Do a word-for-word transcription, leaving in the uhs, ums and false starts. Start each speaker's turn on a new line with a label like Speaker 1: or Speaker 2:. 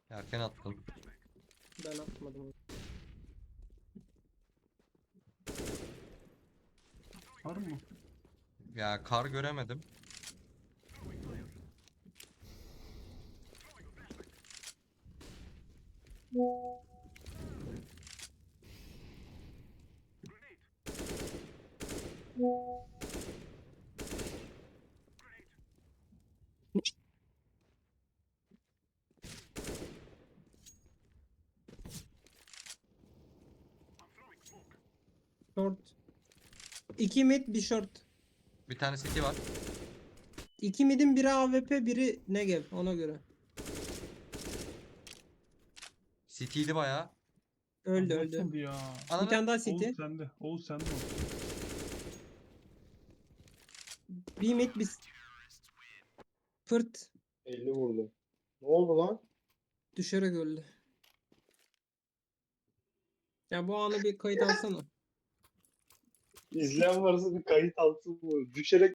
Speaker 1: Erken attım.
Speaker 2: Ben atmadım.
Speaker 3: Var mı?
Speaker 1: Ya kar göremedim.
Speaker 2: Short. İki mid bir short.
Speaker 1: Bir tane city var.
Speaker 2: İki midin biri A W P biri Negev ona göre.
Speaker 1: City'ydi bayağı.
Speaker 2: Öldü
Speaker 3: Lan
Speaker 2: öldü.
Speaker 3: nasıl ya?
Speaker 2: Bir
Speaker 1: Ananı.
Speaker 2: tane daha city.
Speaker 3: Oğuz sende. Oğuz sende o.
Speaker 2: Bir mid bir fırt
Speaker 4: elli vurdu. Ne oldu lan?
Speaker 2: düşerek öldü. Ya bu anı bir kayıt alsana.
Speaker 4: İzleyen varsa bir kayıt alsın bu. Düşerek